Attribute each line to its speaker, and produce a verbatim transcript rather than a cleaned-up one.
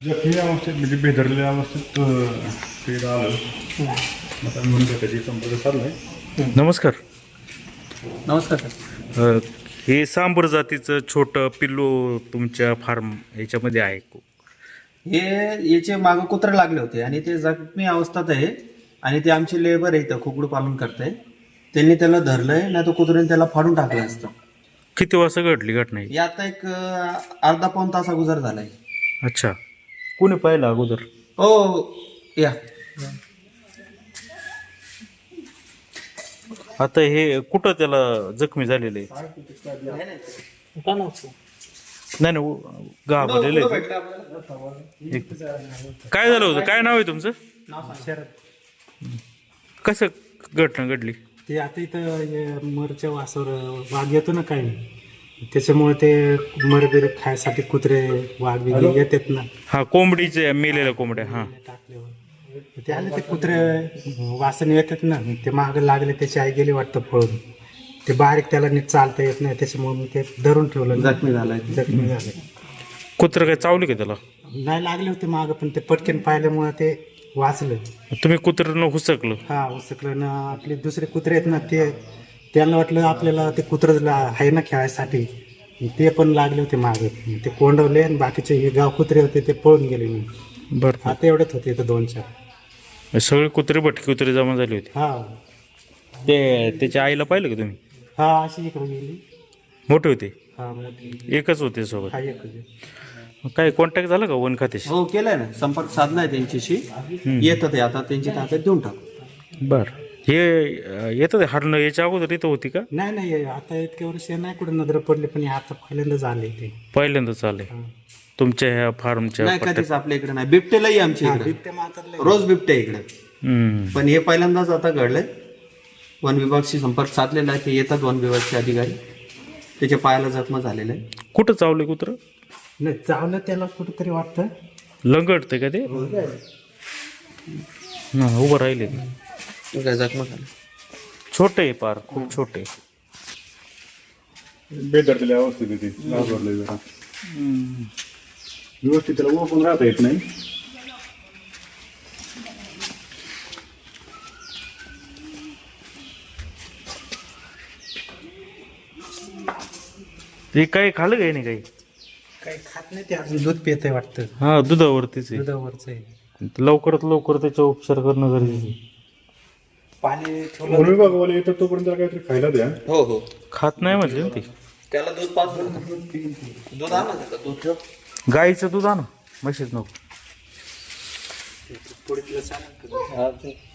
Speaker 1: जखमी अवस्थेत म्हणजे बेदरलेल्या अवस्थेत ते आलं आता म्हणून त्याची संपर्क साधलाय.
Speaker 2: नमस्कार.
Speaker 3: नमस्कार सर.
Speaker 2: अ, हे सांबर जातीचं छोटं पिल्लू तुमच्या फार्म ह्याच्यामध्ये आहे.
Speaker 3: हे याचे मागं कुत्रे लागले होते आणि ते जखमी अवस्थेत आहे आणि ते आमचे लेबर आहे इथं कुकडू पालन करताय. त्यांनी त्याला धरलंय नाही तर कुत्र्याने त्याला फाडून टाकलं असतं.
Speaker 2: किती वाजता घडली घटना ही?
Speaker 3: हे आता एक अं, अर्धा पाऊण तास अगोदर झालाय.
Speaker 2: अच्छा, कोणी पाहिलं अगोदर?
Speaker 3: हो या
Speaker 2: आता हे कुठं त्याला जखमी झालेले आहे? नाही नाही, घाबरलेले आहेत. एक- काय झालं होतं? काय नाव आहे तुमचं? कसं घटना घडली?
Speaker 4: ते आता इथं हे मरच्या वासावर वाघ येतो ना काही, त्याच्यामुळे ते मरबीर खायसाठी कुत्रे वाघ बिघ येतात ना
Speaker 2: हा, कोंबडीचे मेलेल्या कोंबड्या. हा,
Speaker 4: टाकल्यावर ते आले ते कुत्रे वासाने येतात ना, ते मागं लागले, त्याची आई गेली वाटतं पळून. ते बारीक त्याला नीट चालता येत नाही, त्याच्यामुळे मी ते धरून ठेवलं.
Speaker 3: जखमी झालाय.
Speaker 4: जखमी झाले.
Speaker 2: कुत्रं काय चावले का त्याला?
Speaker 4: नाही लागले होते मागं, पण ते पटकन पाहिल्यामुळे ते वाचलं.
Speaker 2: तुम्ही कुत्र्यानं हुसकलं?
Speaker 4: हा उसकलं ना. आपले दुसरे कुत्रे आहेत ना, ते त्यांना वाटलं आपल्याला ते कुत्रं आहे ना खेळायसाठी, ते पण लागले होते मागे. ते कोंडवले आणि बाकीचे हे गाव कुत्रे होते ते पळून गेले. मी
Speaker 2: बरं,
Speaker 4: आता एवढ्यात होते इथं दोन चार.
Speaker 2: सगळे कुत्रे भटके कुत्रे जमा झाले होते.
Speaker 4: हा
Speaker 2: ते त्याच्या आईला पाहिलं का तुम्ही?
Speaker 4: हा अशी इकडे गेली.
Speaker 2: मोठे होते?
Speaker 4: हा मोठी.
Speaker 2: एकच होते सोबत?
Speaker 4: हा एकच.
Speaker 2: काय कॉन्टॅक्ट झाला का वन खात्याशी?
Speaker 3: हो केलाय ना, संपर्क साधलाय त्यांच्याशी. येतं ते आता त्यांची ताब्यात देऊन टाकू.
Speaker 2: बर, हे अं, येतं ते हरणं याच्या अगोदर इथं होती का?
Speaker 4: नाही नाही, आता इतक्या वर्ष नाही कुठे नजर पडली, पण हे आता पहिल्यांदा झाले ते.
Speaker 2: पहिल्यांदा चालले
Speaker 4: हा.
Speaker 2: तुमच्या ह्या फार्मच्या
Speaker 3: नाही
Speaker 2: पट्ट्यात?
Speaker 3: कधीच आपल्या इकडे नाही. बिबटेलाही आमच्या इकडे
Speaker 4: बिबटे मात्रले.
Speaker 3: रोज बिबटे इकडे,
Speaker 2: हम्म.
Speaker 3: पण हे पहिल्यांदाच आता घडलंय. वन विभागशी संपर्क साधलेला आहे. ते येतात वन विभागचे अधिकारी, त्याच्या पायाला जखम झालेला आहे.
Speaker 2: कुठं चावले कुत्र?
Speaker 4: नाही चावलं त्याला कुठंतरी वाटतं.
Speaker 2: लंगडते का ते? हा, उभं राहिले.
Speaker 3: काय जखम झाली.
Speaker 2: छोटे आहे पार, खूप छोटे.
Speaker 1: बेदरलेल्या अवस्थेत आहे ते घाबरलंय जरा. व्यवस्थित त्याला ओपन राहता येत नाही.
Speaker 2: ते काही खाल्लं काही नाही काही?
Speaker 4: काही खात नाही ते, अजून दूध पित आहे वाटतं.
Speaker 2: हा, दुधावरतीच आहे.
Speaker 4: दुधावरच आहे.
Speaker 2: लवकरात लवकर त्याचा उपचार करणं गरजेचं आहे.
Speaker 4: पाणी
Speaker 1: वन
Speaker 4: ठेवलं.
Speaker 1: विभागवाले येतात तोपर्यंत त्याला काहीतरी खायला द्या.
Speaker 3: हो हो,
Speaker 2: खात नाही म्हटले ना ते.
Speaker 3: त्याला दूध पाच दूध आणा त्याला, दूध ठेव.
Speaker 2: गाईचं दूध आणा, म्हशीच नको.
Speaker 4: पुढे तिला चालेल का?